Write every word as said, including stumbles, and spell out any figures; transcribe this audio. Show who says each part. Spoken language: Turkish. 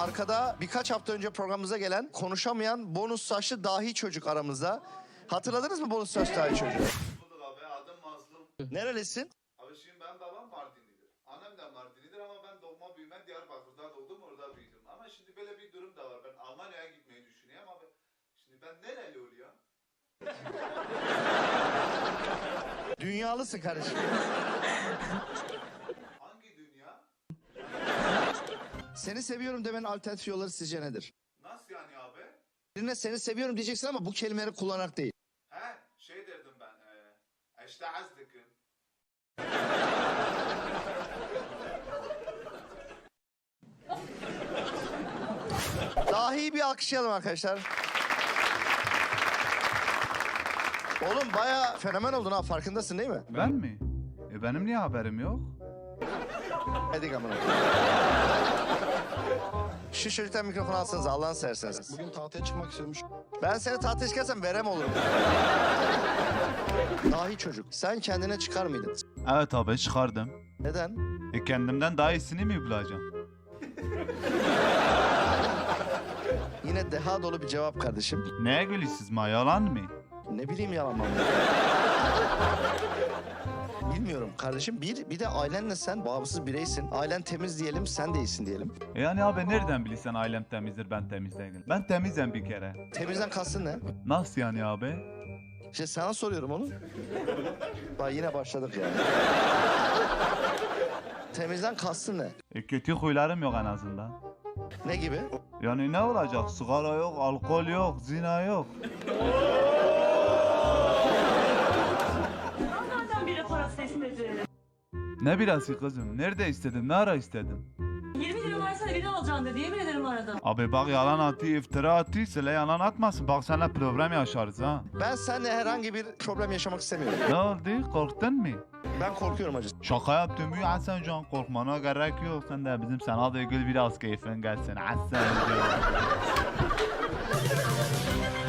Speaker 1: arkada birkaç hafta önce programımıza gelen konuşamayan bonus saçlı dahi çocuk aramızda. Hatırladınız mı bonus saçlı dahi çocuğu?
Speaker 2: Bulduk abi, adım Mazlum.
Speaker 1: Nerelisin?
Speaker 2: Abi şimdi ben babam Mardinlidir. Annem de Mardinlidir ama ben doğma büyüme Diyarbakır'da doğdum, orada büyüdüm. Ama şimdi böyle bir durum da var. Ben Almanya'ya gitmeyi düşünüyorum abi. Şimdi ben nereli oluyor?
Speaker 1: Dünyalısın kardeşim.
Speaker 2: Hangi dünya?
Speaker 1: Seni seviyorum demenin alternatif yolları sizce nedir?
Speaker 2: Nasıl yani abi?
Speaker 1: Birine seni seviyorum diyeceksin ama bu kelimeleri kullanarak değil.
Speaker 2: He, şey derdim ben. E, işte azdıkım.
Speaker 1: Dahi bir alkışlayalım arkadaşlar. Oğlum bayağı fenomen oldun ha, farkındasın değil mi?
Speaker 3: Ben mi? E benim niye haberim yok?
Speaker 1: Hadi amına. Şu çocuktan mikrofonu alsanız Allah'ını severseniz.
Speaker 4: Bugün tahtaya çıkmak istiyormuş.
Speaker 1: Ben seni tahtaya çıkarsam verem olurum. Dahi çocuk, sen kendine çıkar mıydın?
Speaker 3: Evet abi çıkardım.
Speaker 1: Neden?
Speaker 3: E kendimden daha iyisini mi bulacağım?
Speaker 1: Yine deha dolu bir cevap kardeşim.
Speaker 3: Neye gülüyorsunuz ma, yalan mı?
Speaker 1: Ne bileyim yalan mı? Bilmiyorum kardeşim. Bir, bir de ailenle sen bağımsız bireysin. Ailen temiz diyelim, sen de iyisin diyelim.
Speaker 3: E yani abi nereden bilirsen ailem temizdir, ben temiz değilim. Ben temizim bir kere.
Speaker 1: Temizden kastın ne?
Speaker 3: Nasıl yani abi?
Speaker 1: İşte sana soruyorum onu. Bak yine başladık ya. Temizden kastın ne?
Speaker 3: E kötü huylarım yok en azından.
Speaker 1: Ne gibi?
Speaker 3: Yani ne olacak? Sigara yok, alkol yok, zina yok.
Speaker 5: Nereden biri parası istedi?
Speaker 3: Ne birası kızım? Nerede istedin? Ne ara istedin?
Speaker 5: yirmi lira versene biri alacağım dedi. Yemin ederim aradım.
Speaker 3: Abi bak yalan atı, iftira atı, söyle yalan atmasın. Bak seninle problem yaşarız ha.
Speaker 1: Ben seninle herhangi bir problem yaşamak istemiyorum.
Speaker 3: Ne oldu? Korktun mu?
Speaker 1: Ben korkuyorum acı.
Speaker 3: Şaka yaptım ya Hasan Can, korkmana gerek yok. Sen de bizim sana da gül biraz keyfin gelsin Hasan Can.